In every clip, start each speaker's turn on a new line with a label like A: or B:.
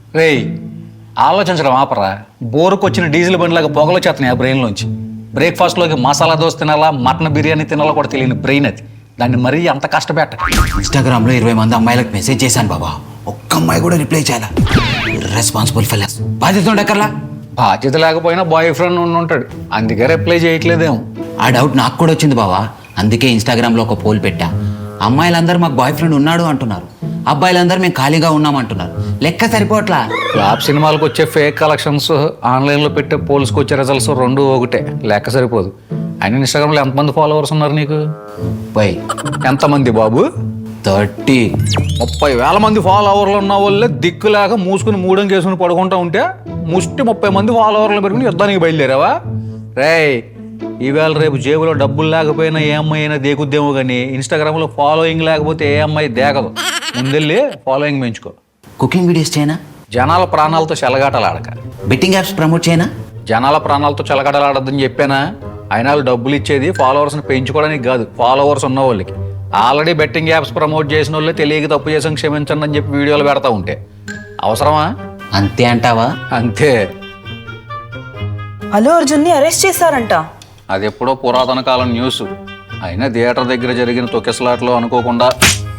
A: రేయ్ ఆలోచించడం ఆపరా. బోరుకు వచ్చిన డీజిల్ బండిలాగా పొగలు వచ్చేస్తున్నాయి ఆ బ్రెయిన్లోంచి. బ్రేక్ఫాస్ట్లోకి మసాలా దోశ తినాలా, మటన్ బిర్యానీ తినాలా కూడా తెలియని బ్రెయిన్ అది. దాన్ని మరీ అంత కష్టపెట్ట.
B: ఇన్స్టాగ్రామ్లో 20 మంది అమ్మాయిలకు మెసేజ్ చేశాను బాబా, ఒక్క అమ్మాయి కూడా రిప్లై చేయాలా. Responsible fellows. బాధ్యత ఉండక్కర్లా.
A: బాధ్యత లేకపోయినా బాయ్ ఫ్రెండ్ ఉంటాడు, అందుకే రిప్లై చేయట్లేదేమో.
B: ఆ డౌట్ నాకు కూడా వచ్చింది బావా, అందుకే ఇన్స్టాగ్రామ్లో ఒక పోల్ పెట్టా. అమ్మాయిలందరూ మాకు బాయ్ ఫ్రెండ్ ఉన్నాడు అంటున్నారు, అబ్బాయిలందరూ మేము ఖాళీగా ఉన్నామంటున్నారు. లెక్క సరిపోవట్లా.
A: ఫ్లాప్ సినిమాలకు వచ్చే ఫేక్ కలెక్షన్స్, ఆన్లైన్లో పెట్టే పోల్స్కి వచ్చే రిజల్ట్స్ రెండు ఒకటే, లెక్క సరిపోదు. అయినా ఇన్స్టాగ్రామ్లో ఎంతమంది ఫాలోవర్స్ ఉన్నారు నీకు?
B: బై
A: ఎంతమంది బాబు?
B: 30.
A: 30,000 మంది ఫాలోవర్లు ఉన్న వాళ్ళే దిక్కులేక మూసుకుని మూడం చేసుకుని పడుకుంటా ఉంటే ముష్టి 30 మంది ఫాలోవర్లు పెట్టుకుని యుద్ధానికి బయలుదేరావా? రేయ్, ఈవేళ రేపు జేబులో డబ్బులు లేకపోయినా ఏ అమ్మాయి అయినా దేకుద్దేమో కానీ ఇన్స్టాగ్రామ్లో ఫాలోయింగ్ లేకపోతే ఏ అమ్మాయి దేకదు. ముందెళ్ళి ఫాలోయింగ్ పెంచుకో.
B: కుకింగ్ వీడియోస్ చేయనా?
A: జనాల ప్రాణాలతో చెలగాటలాడక.
B: బెట్టింగ్ యాప్స్ ప్రమోట్ చేయనా?
A: జనాల ప్రాణాలతో చెలగాటలాడద్దని చెప్పానా? అయినా వాళ్ళు డబ్బులు ఇచ్చేది ఫాలోవర్స్ని పెంచుకోవడానికి కాదు, ఫాలోవర్స్ ఉన్న వాళ్ళకి. ఆల్రెడీ బెట్టింగ్ యాప్స్ ప్రమోట్ చేసిన వాళ్ళే తెలియక తప్పు చేసాం క్షమించండి అని చెప్పి వీడియోలు పెడతా ఉంటే అవసరమా?
B: అంతే అంటావా?
A: అంతే.
C: అల్లు అర్జున్ని అరెస్ట్ చేశారంట.
A: అది ఎప్పుడో పురాతన కాలం న్యూస్. అయినా థియేటర్ దగ్గర జరిగిన తొక్కిసలాట్లో అనుకోకుండా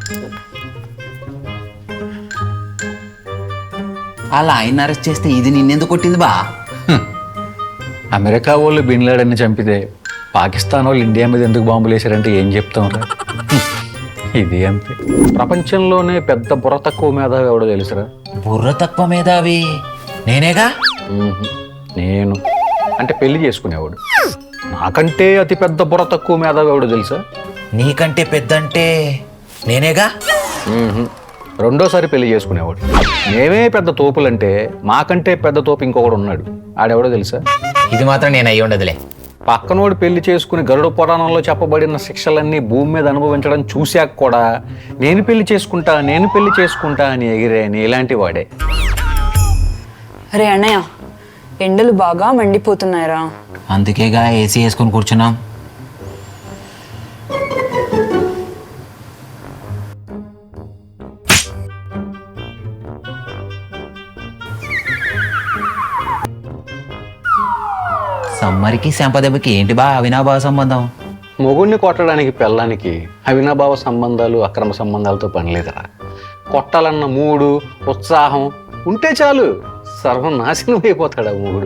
B: అలా ఆయన అరెస్ట్ చేస్తే ఇది నిన్నెందుకు కొట్టింది బా?
A: అమెరికా వాళ్ళు బిన్ లాడెన్ని చంపితే పాకిస్తాన్ వాళ్ళు ఇండియా మీద ఎందుకు బాంబులు వేశారంటే ఏం చెప్తాం రా. ఇది అంతే. ప్రపంచంలోనే పెద్ద బుర్ర తక్కువ మేధావి ఎవడో తెలుసురా?
B: బుర్ర తక్కువ మేధావి నేనేగా.
A: నేను అంటే పెళ్లి చేసుకునేవాడు. నాకంటే అతి పెద్ద బుర్ర తక్కువ మేధావి ఎవడో తెలుసా?
B: నీకంటే పెద్ద అంటే నేనేగా.
A: రెండోసారి పెళ్లి చేసుకునేవాడు. మేమే పెద్ద తోపులంటే మాకంటే పెద్ద తోపు ఇంకొకడు ఉన్నాడు. ఆడెవడో తెలుసా?
B: ఇది మాత్రం నేను అయ్యి ఉండదులే.
A: పక్కనోడు పెళ్లి చేసుకుని గరుడ పురాణంలో చెప్పబడిన శిక్షలన్నీ భూమి మీద అనుభవించడం చూశాక కూడా నేను పెళ్లి చేసుకుంటా అని ఎగిరే ఇలాంటి వాడే.
C: అరే అన్నయ్య, ఎండలు బాగా మండిపోతున్నాయిరా.
B: అందుకేగా ఏసీ వేసుకొని కూర్చున్నాం. సమ్మర్కి శాంపదెబ్బకి ఏంటి బా అవినాభావ సంబంధం?
A: మొగుడిని కొట్టడానికి పెళ్ళానికి అవినాభావ సంబంధాలు, అక్రమ సంబంధాలతో పని లేదురా. కొట్టాలన్న మూడు, ఉత్సాహం ఉంటే చాలు, సర్వనాశనం అయిపోతాడు ఆ మొగుడు.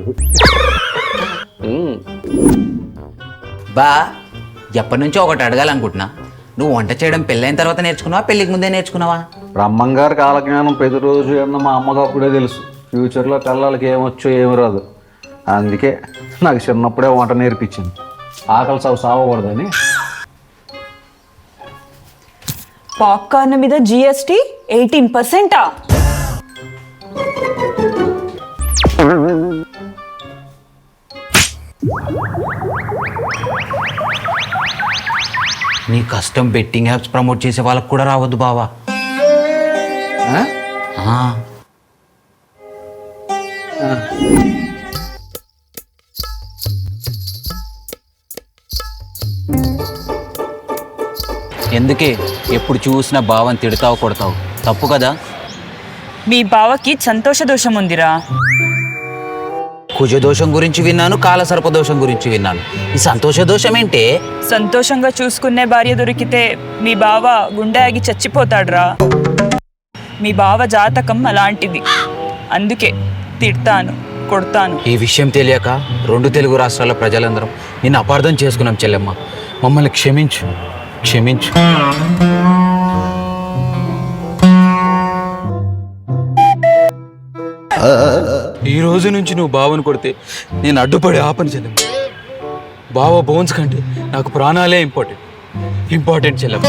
B: బా ఎప్పటి నుంచో ఒకటి అడగాలనుకుంటున్నా. నువ్వు వంట చేయడం పెళ్ళైన తర్వాత నేర్చుకున్నావా, పెళ్ళికి ముందే నేర్చుకున్నావా?
A: బ్రహ్మంగారు కాలజ్ఞానం ప్రతిరోజు అన్న మా అమ్మకు అప్పుడే తెలుసు. ఫ్యూచర్లో పిల్లలకి ఏమొచ్చో ఏమి రాదు. అందుకే నాకు చిన్నప్పుడే వంట నేర్పించింది, ఆకలి సావకూడదని.
C: పాప్కార్న్ మీద GST 18%.
B: నీ కష్టం బెట్టింగ్ యాప్స్ ప్రమోట్ చేసే వాళ్ళకు కూడా రావద్దు బావా. ఎందుకే ఎప్పుడు చూసినా బావని తిడతావు కొడతావు, తప్పు కదా?
C: మీ బావకి సంతోష దోషం ఉందిరా.
B: కుజదోషం గురించి విన్నాను, కాలసర్ప దోషం గురించి విన్నాను. ఈ సంతోష దోషం ఏంటే?
C: సంతోషంగా చూసుకునే భార్య దొరికితే మీ బావ గుండె ఆగి చచ్చిపోతాడురా. మీ బావ జాతకం అలాంటిది, అందుకే తిడతాను, కొడతాను.
B: ఈ విషయం తెలియక 2 తెలుగు రాష్ట్రాల ప్రజలందరం నిన్ను అపార్థం చేసుకున్నాం చెల్లెమ్మ. మమ్మల్ని క్షమించు, క్షమించు. ఈ రోజు నుంచి నువ్వు బావను కొడితే నేను అడ్డుపడి ఆపని చెల్లెమ్మ. బావ బోన్స్ కంటే నాకు ప్రాణాలే ఇంపార్టెంట్ చెల్లెమ్మ.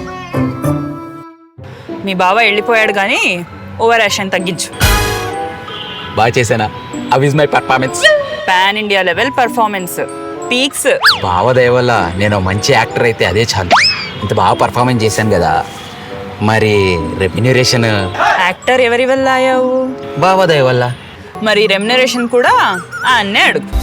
C: మీ బావ వెళ్ళిపోయాడు కానీ ఓవర్ యాక్షన్ తగ్గించు.
B: బాగా చేశానా? How is my performance?
C: Pan India level performance, peaks.
B: బావ దయ వల్ల నేను మంచి యాక్టర్ అయితే అదే చాలు. ఇంత బాగా పర్ఫార్మెన్స్ చేశాను కదా, మరి రెమ్యునరేషన్?
C: యాక్టర్ ఎవరి వల్ల అయ్యావు?
B: బావ దయ వల్ల.
C: మరి రెమ్యునరేషన్ కూడా అన్నే అడుగు.